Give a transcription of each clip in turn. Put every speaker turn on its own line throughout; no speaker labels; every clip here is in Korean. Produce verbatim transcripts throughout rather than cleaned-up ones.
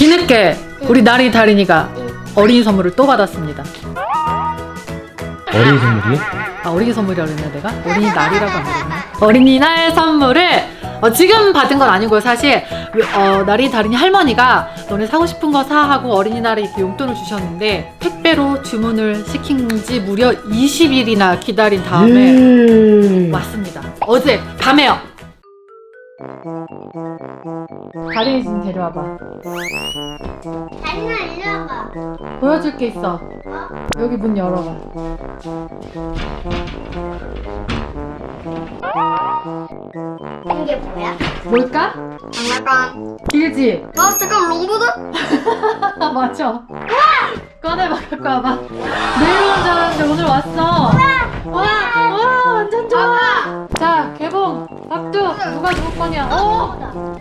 뒤늦게 우리 나리 다린이가 어린이 선물을 또 받았습니다.
어린이 선물이요?
아, 어린이 선물이라고 했나 내가? 어린이 날이라고 안 그랬나? 어린이날 선물을 어, 지금 받은 건 아니고요. 사실 어, 나리 다린이 할머니가 너네 사고 싶은 거 사 하고 어린이날에 이렇게 용돈을 주셨는데 택배로 주문을 시킨 지 무려 이십 일이나 기다린 다음에
음...
왔습니다. 어제 밤에요. 다린이 좀 데려와봐.
다린아 일로 와봐.
보여줄 게 있어. 여기 문 열어봐.
이게 뭐야?
뭘까?
장난감.
길지?
아 잠깐 롱보드?
아 맞아. 꺼내봐 갖고 와봐. 내일 오는 줄 알았는데 오늘 왔어. 와, 와 완전 좋아. 자 개봉. 박두 누가 누구 거냐? 오,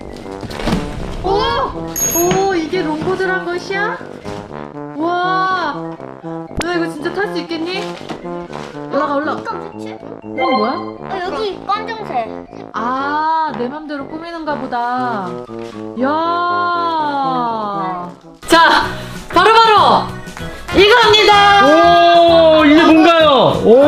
오, 오 이게 롱보드란 것이야? 와, 너 이거 진짜 탈 수 있겠니? 올라가 올라가.
이거 대체?
이건 뭐야?
어 여기 검정색.
아, 내 맘대로 꾸미는가 보다. 야. 자, 바로바로 이겁니다.
오, 이게 뭔가요? 오.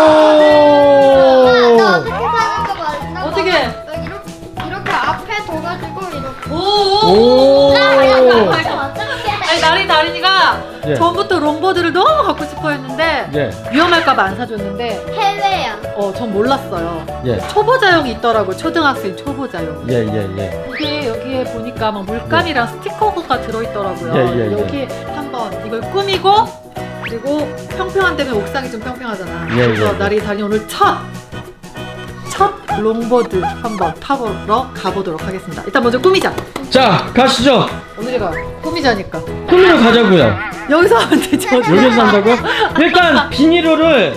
나 어떻게 사는 거 맞나?
어떻게?
이렇게 이렇게 앞에 둬가지고 이렇게.
오,
오.
오.
어떻게?
아니, 나리 다린이가
예.
전부터 롱보드를 너무 갖고 싶어 했는데
예,
위험할까봐 안 사줬는데
해외야.
어, 전 몰랐어요.
예,
초보자용이 있더라고. 초등학생 초보자용.
예, 예, 예.
이게 여기에 보니까 막 물감이랑 스티커가 들어있더라고요.
예, 예, 예.
여기 한번 이걸 꾸미고 그리고 평평한 데면 옥상이 좀 평평하잖아.
예,
그래서
예, 예.
나리 다니 오늘 첫! 첫 롱보드 한번 타보러 가보도록 하겠습니다. 일단 먼저 꾸미자.
자, 가시죠.
오늘이가 꾸미자니까.
꾸미러 가자고요.
여기서 하면 되죠.
여기서 한다고? 일단 비닐로를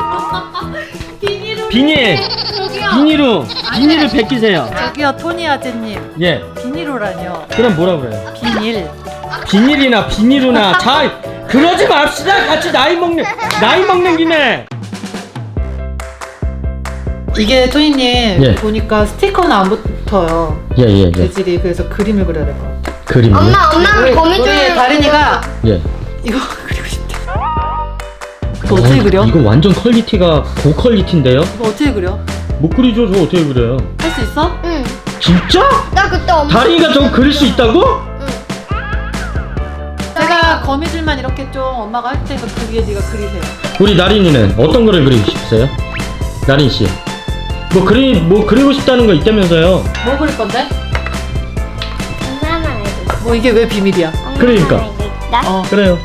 비닐을
비닐
저기요.
비닐로 비닐을 벗기세요.
저기요 토니 아재님.
예.
비닐로라뇨.
그럼 뭐라 그래요?
비닐.
비닐이나 비닐로나 잘 그러지 맙시다. 같이 나이 먹는 나이 먹는 김에.
이게 토니님
예.
보니까 스티커는 안 붙어요.
예, 예, 예.
재질이. 그래서 그림을 그려야 될 것 같아.
그림이요?
엄마 엄마는
우리,
거미줄.
우리 다린이가
예.
이거 그리고 싶대. 이거 어떻게 그려?
이거 완전 퀄리티가 고퀄리티인데요?
이거 어떻게 그려?
못 그리죠. 저 어떻게 그려요?
할 수 있어?
응.
진짜?
나 그때 엄마.
다린이가 저거 그릴 수 있다고?
응.
제가 거미줄만 이렇게 좀 엄마가 할 테니까 그 위에 네가 그리세요.
우리 나린이는 어떤 거를 그리고 싶으세요? 나린 씨. 뭐 그리 뭐 그리고 싶다는 거 있다면서요?
뭐 그릴 건데?
엄마만 알고 있어.
뭐 이게 왜 비밀이야?
엄마만
그러니까.
알고 있다.
어.
그래요.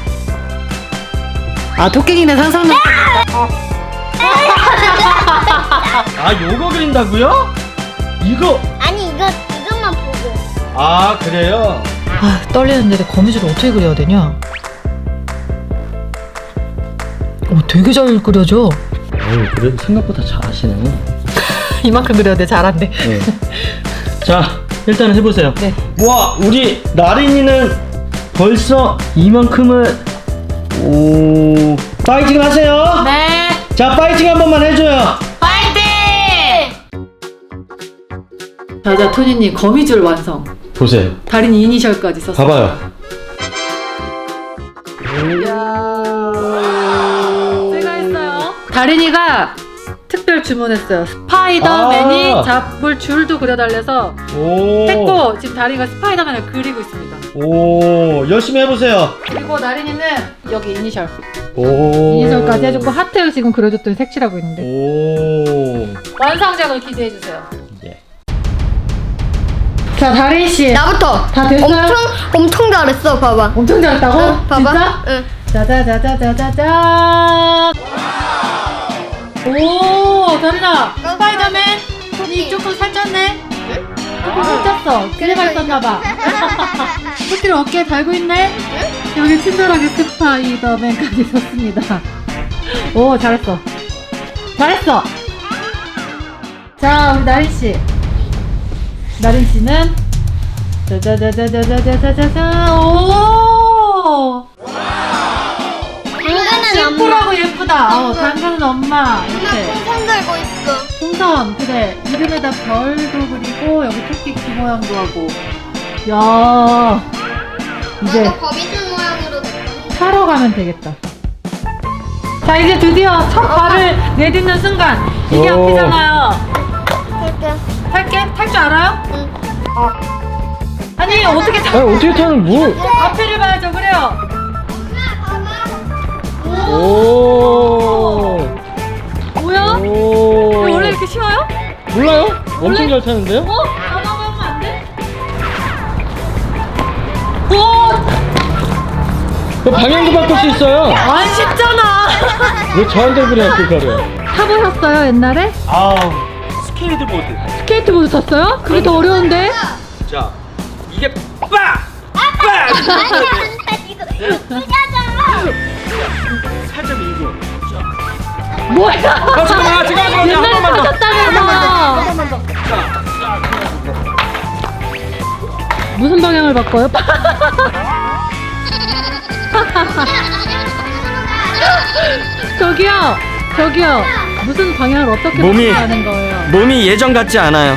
아 토끼기네 상상력.
아, 요거 그린다고요? 이거.
아니 이거 이것만 보고.
아, 그래요?
아 떨리는데 거미줄을 어떻게 그려야 되냐? 어 되게 잘 그려져.
어우, 그래도 생각보다 잘하시네.
이만큼 그려야 돼. 잘한대.
네. 자, 일단 해보세요.
네.
와, 우리 나린이는 벌써 이만큼을. 오, 파이팅 하세요.
네.
자, 파이팅 한 번만 해줘요.
파이팅! 자자 토니님 거미줄 완성.
보세요.
다린이 이니셜까지 썼어.
봐봐요.
이야. 제가 했어요. 다린이가 특별 주문했어요. 스파이더맨이
아.
잡을 줄도 그려달래서
오.
했고 지금 다린이가 스파이더맨을 그리고 있습니다.
오, 열심히 해보세요.
그리고 나린이는 여기 이니셜
오.
이니셜까지 해줬고 하트 지금 그려줬더니 색칠하고 있는데
오.
완성작을 기대해주세요.
예.
자 다린씨
나부터.
다 됐어요?
엄청 엄청 잘했어. 봐봐.
엄청 잘했다고?
응, 봐봐.
진짜?
응.
짜자자자자자자. 오, 다린아. 스파이더맨. 손이 조금 살쪘네. 조금 살쪘어. 기대가 있었나봐. 토끼를 어깨에 달고 있네. 여기 친절하게 스파이더맨까지 썼습니다. 오, 잘했어. 잘했어. 자, 우리 나린 씨. 나린 씨는 짜자자자자자자자자. 오.
당근은 엄마.
심플하고 예쁘다. 어, 당근은 엄마. 이렇게.
손 들고 있어.
풍선. 그래. 이름에다 별도 그리고 여기 토끼 귀 모양도 하고. 야. 이제
나도 거미줄 모양으로
타러 가면 되겠다. 자, 이제 드디어 첫 발을 내딛는 순간 이게
오.
앞이잖아요.
이렇게.
탈게? 탈 줄 알아요?
응.
아니 어떻게
아
타?
어떻게 타는 뭐?
앞에를 봐야죠. 그래요.
오.
뭐야?
오.
이거 원래 이렇게 쉬워요?
몰라요? 엄청
원래-
잘 타는데요?
어? 가만 하면 안 돼? 오!
그 방향도 바꿀 수 있어요.
안 쉽잖아.
왜 저한테 그래 그거를?
타보셨어요 옛날에?
아 스케이트보드.
스케이트보드 탔어요? 그게 더 어려운데?
자 이게 빡! 빡! 살짝 밀고.
뭐야?
아 잠깐만 잠깐만 한
옛날에
번만 더.
타셨다면서 무슨 방향을 바꿔요? 저기요 저기요 무슨 방향을 어떻게
몸이-
바꾸는 거예요?
몸이 예전 같지 않아요.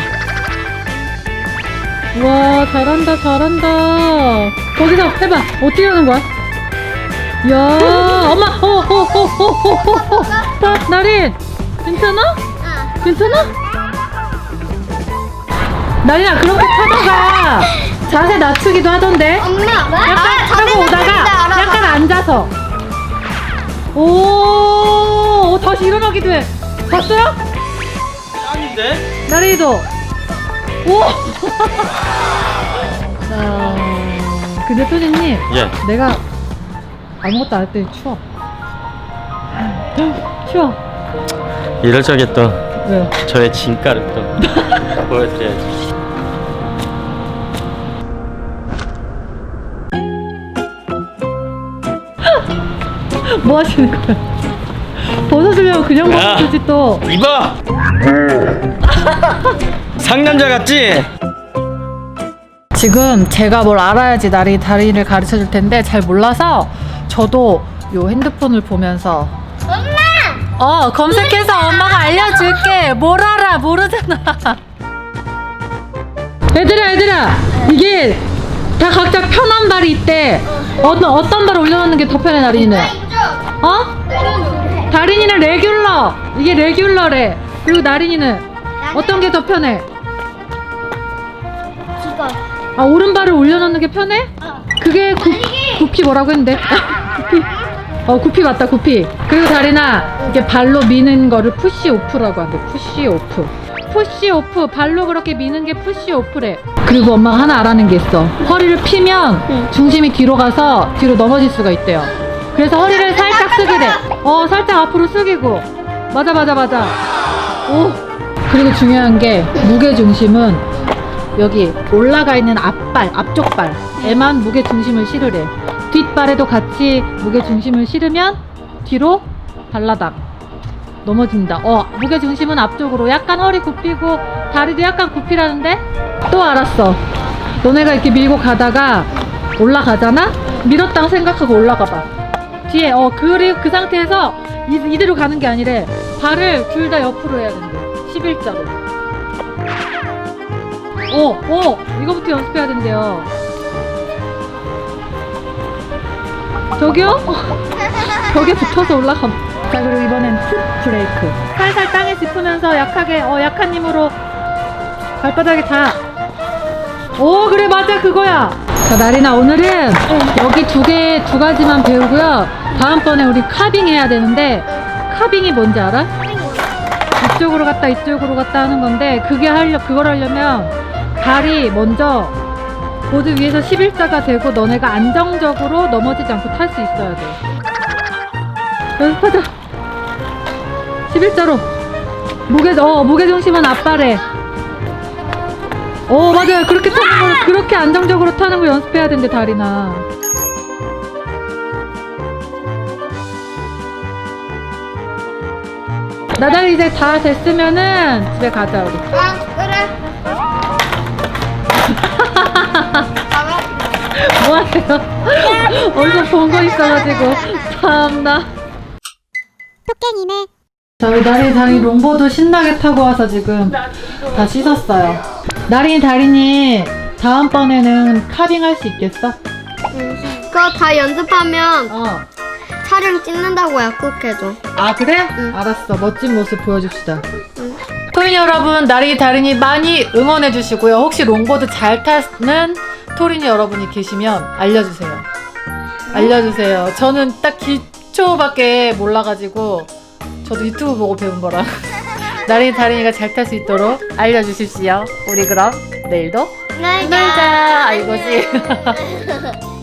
와 잘한다 잘한다. 거기서 해봐. 어떻게 하는 거야? 야 엄마 어어어어어어어 나린 괜찮아? 괜찮아? 나린아 그렇게 타다가 자세 낮추기도 하던데.
엄마.
약간
아,
타고 오다가 약간 앉아서 오 다시 일어나기도 해. 봤어요?
짱인데?
나린이도 오. 자, 근데 토니님
예.
내가 아무것도 안 했더니 추워. 추워.
이럴 적에 또
왜요?
저의 진가를 또 보여드려야지.
뭐 하시는 거야? 벗어주려고 그냥
야.
벗어주지 또.
입어. 상남자 같지?
지금 제가 뭘 알아야지 나리 다리를 가르쳐 줄 텐데 잘 몰라서 저도 요 핸드폰을 보면서
엄마.
어 검색해서 엄마가 알려줄게. 뭘 알아 모르잖아. 얘들아 얘들아 이게 다 각자 편한 발이 있대. 어떤 어떤 발 올려놓는 게 더 편해 나린이는?
나 이쪽.
어? 다린이는 레귤러. 이게 레귤러래. 그리고 나린이는 어떤 게 더 편해?
이거.
아 오른발을 올려놓는 게 편해? 그게 구, 구피 뭐라고 했는데? 구피 어 구피 맞다 구피. 그리고 다린아 이렇게 발로 미는 거를 푸시 오프라고 한대. 푸시 오프 푸시 오프 발로 그렇게 미는 게 푸시 오프래. 그리고 엄마가 하나 알아낸 게 있어. 허리를 피면 중심이 뒤로 가서 뒤로 넘어질 수가 있대요. 그래서 허리를 살짝 숙이래. 어 살짝 앞으로 숙이고. 맞아 맞아 맞아. 오. 그리고 중요한 게 무게 중심은 여기 올라가 있는 앞발, 앞쪽 발에만 무게 중심을 실으래. 뒷발에도 같이 무게 중심을 실으면 뒤로 발라닥 넘어진다. 어, 무게 중심은 앞쪽으로. 약간 허리 굽히고 다리도 약간 굽히라는데? 또 알았어. 너네가 이렇게 밀고 가다가 올라가잖아? 밀었다고 생각하고 올라가 봐. 뒤에 어 그리고 그 상태에서 이, 이대로 가는 게 아니래. 발을 둘 다 옆으로 해야 된대. 십일자로. 오, 오, 이거부터 연습해야 된대요. 저기요? 벽에 붙어서 올라가. 자, 그리고 이번엔 풋 브레이크. 살살 땅에 짚으면서 약하게, 어, 약한 힘으로 발바닥에 다. 오, 그래, 맞아, 그거야. 자, 나리나, 오늘은 여기 두 개, 두 가지만 배우고요. 다음번에 우리 카빙 해야 되는데, 카빙이 뭔지 알아? 이쪽으로 갔다, 이쪽으로 갔다 하는 건데, 그게 하려, 그걸 하려면, 발이 먼저 보드 위에서 십일자가 되고 너네가 안정적으로 넘어지지 않고 탈 수 있어야 돼. 연습하자. 십일자로 무게 어 무게 중심은 앞발에. 어 맞아요. 그렇게 타는 걸 그렇게 안정적으로 타는 걸 연습해야 된대 다리나. 나달이 이제 다 됐으면은 집에 가자 우리.
아 그래.
뭐하세요? 어디서 본 거 있어가지고 참나.
토깽이네.
저희 나린이 다린이 롱보드 신나게 타고 와서 지금 다 씻었어요. 나린이 다린이 다음번에는 카빙 할 수 있겠어?
응. 그거 다 연습하면
어.
촬영 찍는다고 약속해줘.
아 그래?
응.
알았어. 멋진 모습 보여줍시다.
응.
토린이 여러분, 나리 다린이 많이 응원해 주시고요. 혹시 롱보드 잘 타는 토린이 여러분이 계시면 알려주세요. 알려주세요. 저는 딱 기초밖에 몰라가지고 저도 유튜브 보고 배운 거라. 나리 다린이가 잘 탈 수 있도록 알려주십시오. 우리 그럼 내일도
네.
놀자. 아 이거지.